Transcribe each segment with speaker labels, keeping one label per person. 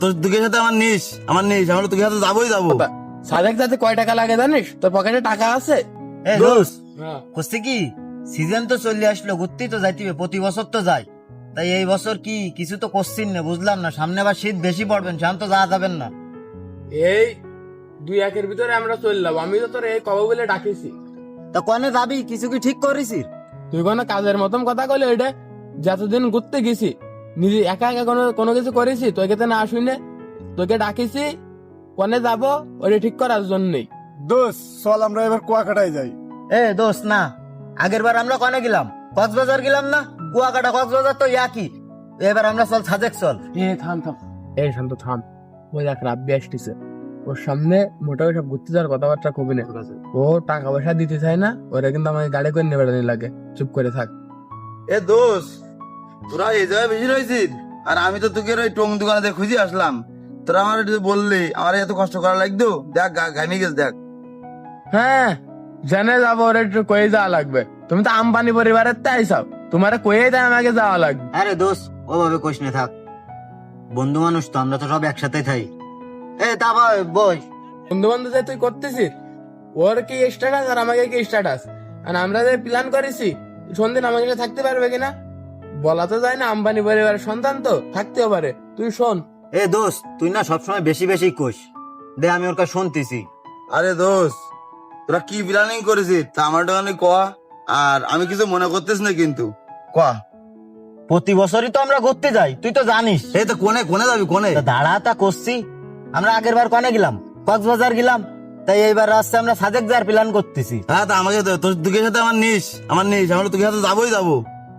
Speaker 1: তোর দুঃখের সাথে আমার নিস আমরা তোকে সাথে যাবোই যাবো।
Speaker 2: সাদেক যাতে কয় টাকা লাগে জানিস? তোর পকেটে টাকা আছে?
Speaker 1: দোস্ত করছে কি, সিজন তো চলে আসলো, ঘুরতেই তো যাইতে প্রতি বছর তো যাই, তাই এই বছর কি কিছু তো করছিস না, বুঝলাম না। সামনে আবার শীত বেশি পড়বেন, সামনে তো যাওয়া যাবেন না।
Speaker 2: এই 2-1 ভিতরে আমরা চললাম, আমি তো তোর এই কবে বলে ডাকিছি।
Speaker 1: তা কনে যাবি, কিছু কি ঠিক করিস?
Speaker 2: তুই কোনো কাজের মতন কথা কইলে এটা, যতদিন ঘুরতে গেছি নিজে একা একা কোনো কিছু করেছি? তোকে তো না শুনে তোকে ডাকিছি, কনে যাবো ওটা ঠিক করার জন্যই।
Speaker 3: দোষ চল আমরা এবার কুয়াকাটায় যাই।
Speaker 1: দোস্ত না, আগের বার আমরা কনে গেলাম, কক্সবাজার গেলাম না? কুয়াকাটা কক্সবাজার তো একই, এবার আমরা চল সাজেক চল।
Speaker 2: থাম শান্ত থাম। ওই দেখ রাব্বি আসতেছে, ওর সামনে মোটামুটি সব ঘুরতে যাওয়ার কথাবার্তা কবি না। ও টাকা পয়সা দিতে চায় না, ওরা কিন্তু আমাকে গাড়ি করে নেবে লাগে। চুপ করে থাক।
Speaker 1: দোস্ত তোরা এই জায়গায় বেশি রয়েছিস, আর আমি তো তোকে ওই টং দোকানে খুঁজে আসলাম, তোরা আমার বললি আমার এত কষ্ট করা লাগতো, দেখ ঘামি গেছে দেখ।
Speaker 2: হ্যাঁ জেনে যাবো, ওরা একটু কয়ে যাওয়া লাগবে। তুমি তো আম্বানি পরিবারের তাই সব, তোমার কয়ে দেয় আমাকে যাওয়া লাগবে।
Speaker 1: আরে দোস্ত ওভাবে কোশ না, থাক, বন্ধু মানুষ তো, আমরা তো সব একসাথে থাই। তা বই
Speaker 2: বন্ধু বান্ধব যে তুই করতেছিস, ওর কি স্ট্যাটাস আর আমাকে কি স্ট্যাটাস? আর আমরা যে প্ল্যান করেছি সন্ধ্যে আমাকে সাথে থাকতে পারবে কিনা বলা তো যায় না, আম্বানি পরিবারের সন্তান তো থাকতেও পারে। তুই শোন।
Speaker 1: দোস্ত তুই না সবসময় বেশি বেশি কোশ দে, আমি ওর কাছে শুনতেছি। আরে দোস্ত তোরা কি প্ল্যানিং করেছিস তা আমার দোকানে কয়া, আর আমি কিছু মনে করতেছ না কিন্তু কয়া। প্রতি বছরই তো আমরা ঘুরতে যাই, তুই তো জানিস। তো কোনে যাবি, কোনে দাঁড়া তা করছি। আমরা আগের বার কোনে গেলাম, কক্সবাজার গেলাম, তাই এইবার আসছে আমরা সাজেক যাওয়ার প্ল্যান করতেছি। তা আমাকে তোর দুঃখের সাথে আমার নিস আমরা তোকে সাথে যাবোই যাবো।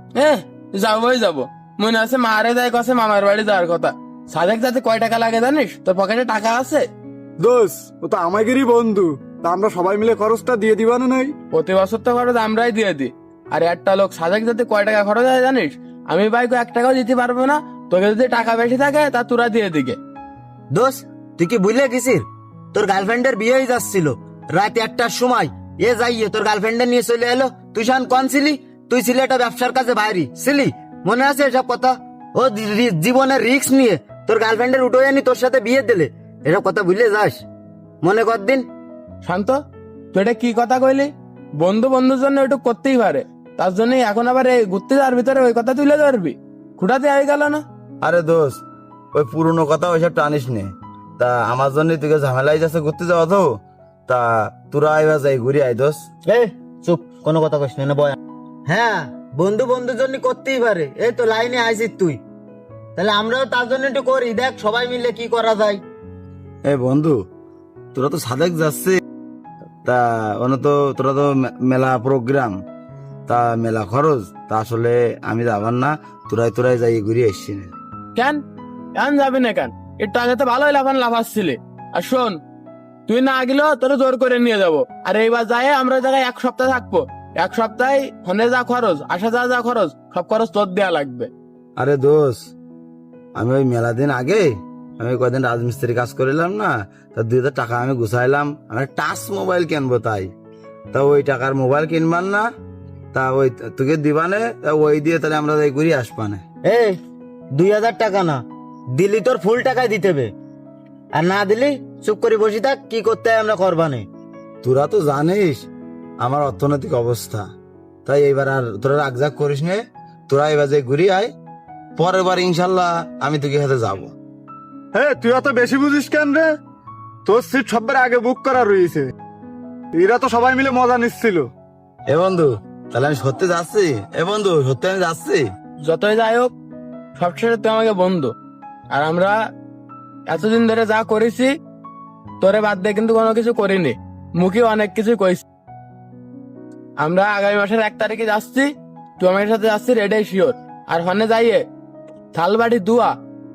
Speaker 2: যাবো মনে আছে মারে যায় কাছে মামার বাড়ি যাওয়ার কথা। সাদেক যাতে কয় টাকা লাগে জানিস? তোর পকেটে টাকা আছে?
Speaker 3: দোষ ও তো আমাদেরই বন্ধু, তা আমরা সবাই মিলে খরচটা দিয়ে দিবা না নাই?
Speaker 2: প্রতি বছর তো খরচ আমরাই দিয়ে দিই। আর একটা লোক সাদেক যাতে কয় টাকা খরচ হয় জানিস? আমি ভাই 1 টাকাও দিতে পারবো না, তোকে যদি টাকা বেশি থাকে তা তোরা দিয়ে দিকে।
Speaker 1: দোষ তুই কি বুঝলে গেছিস, তোর গার্লফ্রেন্ডের বিয়ে হয়ে যাচ্ছিল রাত 1টার সময়, যাইয়ে তোর গার্লফ্রেন্ডের নিয়ে চলে এলো। তুই শান কন ছিলি? তুই ছিলি একটা ব্যবসার কাছে বাইরে ছিলি, মনে আছে এসব কথা? ও জীবনের রিস্ক নিয়ে তোর গার্লফ্রেন্ডের উঠে আনি তোর সাথে বিয়ে দিলে, এসব কথা ভুলে যাস? মনে কর দিন।
Speaker 2: শান্ত, তুই এটা কি কথা কইলি? বন্ধুর জন্য একটু করতেই পারে, তার জন্য এখন আবার এই ঘুরতে যাওয়ার ভিতরে ওই কথা তুলে ধরবি? খুঁটাতে হয়ে গেল না?
Speaker 1: আরে দোস্ত ওই পুরনো কথা ওইসব টানিস নে, তা আমার জন্য তুই ঝামেলাই যাচ্ছে ঘুরতে যাওয়া তো, তা তোরা এবার যাই ঘুরে আয়। দোস্ত চুপ, কোনো কথা কইস না বয়। হ্যাঁ বন্ধুর জন্য করতেই পারে, এই তো লাইনে আইছিস তুই, তাহলে আমরাও তার জন্য একটু করি, দেখ সবাই মিলে কি করা যায়। বন্ধু তোরা তো সাদেক যাচ্ছে, তা তোরা তো মেলা প্রোগ্রাম, তা মেলা খরচ, তা আসলে আমি যাবার না, তোরাই যাই ঘুরে আসছি না।
Speaker 2: কেন যাবি না কেন? একটু আগে তো ভালোই লাফাচ্ছিলি। আর শোন, তুই না গেলেও তোর জোর করে নিয়ে যাবো। আর এইবার যাই আমরা জায়গায় 1 সপ্তাহ থাকবো। 1 সপ্তাহে ফোনে যা খরচ, আসা যা খরচ, সব খরচ তোর দেয়া লাগবে।
Speaker 1: আরে দোষ আমি ওই মেলা দিন আগে আমি কয়দিন রাজমিস্ত্রি কাজ করিলাম না, তা 2000 টাকা আমি গুছাইলাম, আমি টাচ মোবাইল কিনবো, তাই তা ওই টাকার মোবাইল কিনবার না, তা ওই তোকে দিবানে, ওই দিয়ে তাহলে আমরা যাই ঘুরে আসবানে। 2000 টাকা না দিলি তোর ফুল টাকায় দিতে হবে, আর না দিলি চুপ করে বসে থাক, কি করতে হয় আমরা করবানে। তোরা তো জানিস আমার অর্থনৈতিক অবস্থা, তাই এইবার আর তোরা রাগজাগ করিস নে, তোরা এবার যে ঘুরে আয়, পরের বার ইনশাল্লাহ আমি তোকে সাথে যাবো।
Speaker 3: তুই অত বেশি বুঝিস কেন রে? তোর সিট সবার আগে বুক করা রয়েছে, এরা তো সবাই মিলে মজা নিচ্ছিল।
Speaker 1: বন্ধু তাহলে আমি সত্যি যাচ্ছি, বন্ধু সত্যি আমি যাচ্ছি।
Speaker 2: যতই যাই হোক সবশেষে তুই আমাকে বন্ধু, আর আমরা এতদিন ধরে যা করেছি তোরে বাদ দিয়ে কিন্তু কোনো কিছু করিনি, মুখে অনেক কিছু কইছি। আমরা আগামী মাসের 1 তারিখে যাচ্ছি, তুই আমার সাথে যাচ্ছিস, এটাই শিওর। আর হনে যাইয়ে থালবাড়ি দুয়া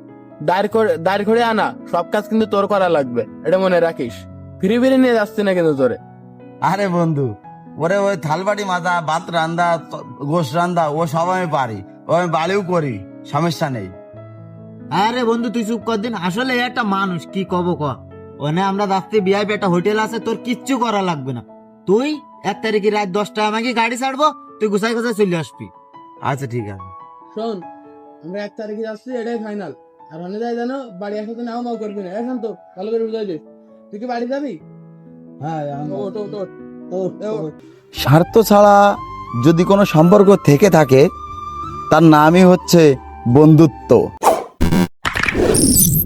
Speaker 2: দাঁড় করে আনা সব কাজ কিন্তু তোর করা লাগবে, এটা মনে রাখিস। ফিরি নিয়ে যাচ্ছি না কিন্তু তোরে।
Speaker 1: আরে বন্ধু ওরে ওই থালবাটি মাজা, ভাত রান্দা, গোশ রান্দা ও সব আমি পারি, ও আমি বাড়িও করি, সমস্যা নেই। আরে বন্ধু তুই চুপ কর দিন, আসলে একটা মানুষ কি কব ক, ওখানে আমরা যাচ্ছি ভিআইপি একটা হোটেল আছে, তোর কিচ্ছু করা লাগবে না, তুই 1 তারিখে রাত 10টায় আমাকে গাড়ি ছাড়বো, তুই গুছাই চলে আসবি। আচ্ছা ঠিক আছে।
Speaker 2: শোন, আমরা 1 তারিখে যাচ্ছি, এটাই ফাইনাল। আর অনেক যায় জানো বাড়ি আসাতে নাও মাও করবি না এখন তো ভালো করে বুঝাই দে তুই কি বাড়ি যাবি
Speaker 1: হ্যাঁ
Speaker 2: ওট ওট ওট ওট
Speaker 1: স্বার্থ ছাড়া যদি কোনো সম্পর্ক থেকে থাকে তার নামই হচ্ছে বন্ধুত্ব।